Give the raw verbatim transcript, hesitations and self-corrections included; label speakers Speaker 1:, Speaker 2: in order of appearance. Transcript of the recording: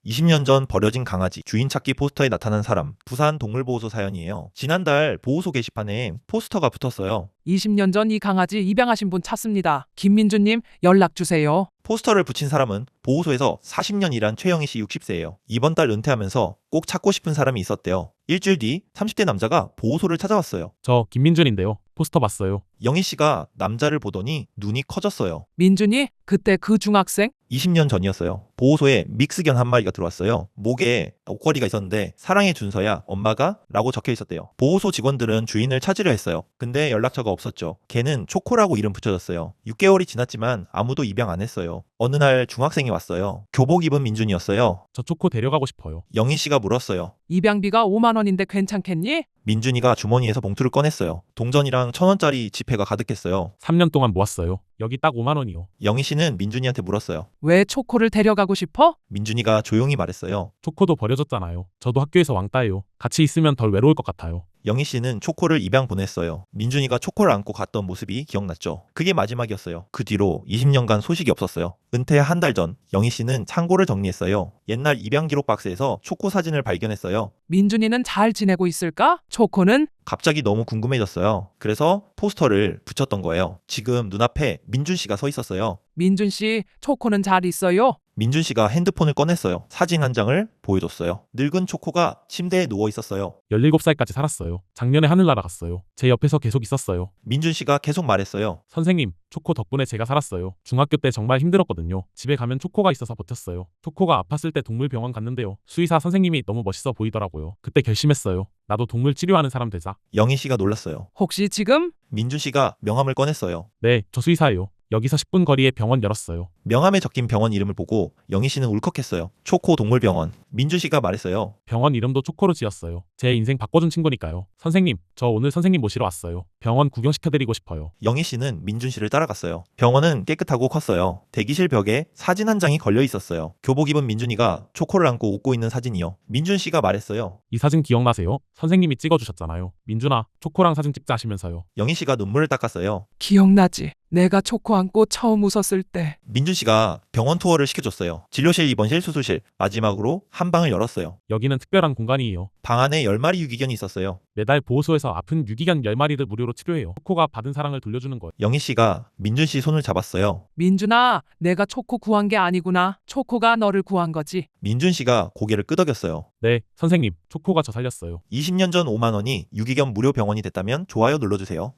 Speaker 1: 이십 년 전 버려진 강아지 주인 찾기 포스터에 나타난 사람. 부산 동물보호소 사연이에요. 지난달 보호소 게시판에 포스터가 붙었어요.
Speaker 2: 이십 년 전 이 강아지 입양하신 분 찾습니다. 김민주님 연락 주세요.
Speaker 1: 포스터를 붙인 사람은 보호소에서 사십 년 일한 최영희 씨 육십 세예요. 이번 달 은퇴하면서 꼭 찾고 싶은 사람이 있었대요. 일주일 뒤 삼십 대 남자가 보호소를 찾아왔어요.
Speaker 3: 저 김민준인데요. 포스터 봤어요.
Speaker 1: 영희 씨가 남자를 보더니 눈이 커졌어요.
Speaker 2: 민준이 그때 그 중학생?
Speaker 1: 이십 년 전이었어요. 보호소에 믹스견 한 마리가 들어왔어요. 목에 옷걸이가 있었는데 사랑해 준서야 엄마가? 라고 적혀 있었대요. 보호소 직원들은 주인을 찾으려 했어요. 근데 연락처가 없었죠. 걔는 초코라고 이름 붙여졌어요. 육 개월이 지났지만 아무도 입양 안 했어요. 어느 날 중학생이 왔어요. 교복 입은 민준이었어요.
Speaker 3: 저 초코 데려가고 싶어요.
Speaker 1: 영희 씨가 물었어요.
Speaker 2: 입양비가 오만 원인데 괜찮겠니?
Speaker 1: 민준이가 주머니에서 봉투를 꺼냈어요. 동전이랑 천 원짜리 지폐가 가득했어요.
Speaker 3: 삼 년 동안 모았어요. 여기 딱 오만 원이요.
Speaker 1: 영희 씨는 민준이한테 물었어요.
Speaker 2: 왜 초코를 데려가고 싶어?
Speaker 1: 민준이가 조용히 말했어요.
Speaker 3: 초코도 버려졌잖아요. 저도 학교에서 왕따예요. 같이 있으면 덜 외로울 것 같아요.
Speaker 1: 영희 씨는 초코를 입양 보냈어요. 민준이가 초코를 안고 갔던 모습이 기억났죠. 그게 마지막이었어요. 그 뒤로 이십 년간 소식이 없었어요. 은퇴 한 달 전 영희 씨는 창고를 정리했어요. 옛날 입양 기록 박스에서 초코 사진을 발견했어요.
Speaker 2: 민준이는 잘 지내고 있을까? 초코는?
Speaker 1: 갑자기 너무 궁금해졌어요. 그래서 포스터를 붙였던 거예요. 지금 눈앞에 민준 씨가 서 있었어요.
Speaker 2: 민준 씨, 초코는 잘 있어요?
Speaker 1: 민준 씨가 핸드폰을 꺼냈어요. 사진 한 장을 보여줬어요. 늙은 초코가 침대에 누워 있었어요.
Speaker 3: 열일곱 살까지 살았어요. 작년에 하늘 날아갔어요. 제 옆에서 계속 있었어요.
Speaker 1: 민준 씨가 계속 말했어요.
Speaker 3: 선생님, 초코 덕분에 제가 살았어요. 중학교 때 정말 힘들었거든요. 집에 가면 초코가 있어서 버텼어요. 초코가 아팠을 때 동물병원 갔는데요. 수의사 선생님이 너무 멋있어 보이더라고요. 그때 결심했어요. 나도 동물 치료하는 사람 되자.
Speaker 1: 영희 씨가 놀랐어요.
Speaker 2: 혹시 지금?
Speaker 1: 민준 씨가 명함을 꺼냈어요.
Speaker 3: 네, 저 수의사예요. 여기서 십 분 거리에 병원 열었어요.
Speaker 1: 명함에 적힌 병원 이름을 보고 영희 씨는 울컥했어요. 초코 동물병원. 민준 씨가 말했어요.
Speaker 3: 병원 이름도 초코로 지었어요. 제 인생 바꿔준 친구니까요. 선생님, 저 오늘 선생님 모시러 왔어요. 병원 구경시켜드리고 싶어요.
Speaker 1: 영희 씨는 민준 씨를 따라갔어요. 병원은 깨끗하고 컸어요. 대기실 벽에 사진 한 장이 걸려 있었어요. 교복 입은 민준이가 초코를 안고 웃고 있는 사진이요. 민준 씨가 말했어요.
Speaker 3: 이 사진 기억나세요? 선생님이 찍어주셨잖아요. 민준아, 초코랑 사진 찍자 하시면서요.
Speaker 1: 영희 씨가 눈물을 닦았어요.
Speaker 2: 기억나지? 내가 초코 안고 처음 웃었을 때.
Speaker 1: 민준 씨가 병원 투어를 시켜줬어요. 진료실, 입원실, 수술실. 마지막으로 한 방을 열었어요.
Speaker 3: 여기는 특별한 공간이에요.
Speaker 1: 방 안에 열 마리 유기견이 있었어요.
Speaker 3: 매달 보호소에서 아픈 유기견 열 마리를 무료로 치료해요. 초코가 받은 사랑을 돌려주는 거예요.
Speaker 1: 영희 씨가 민준 씨 손을 잡았어요.
Speaker 2: 민준아, 내가 초코 구한 게 아니구나. 초코가 너를 구한 거지.
Speaker 1: 민준 씨가 고개를 끄덕였어요.
Speaker 3: 네, 선생님, 초코가 저 살렸어요.
Speaker 1: 이십 년 전 오만 원이 유기견 무료 병원이 됐다면 좋아요 눌러주세요.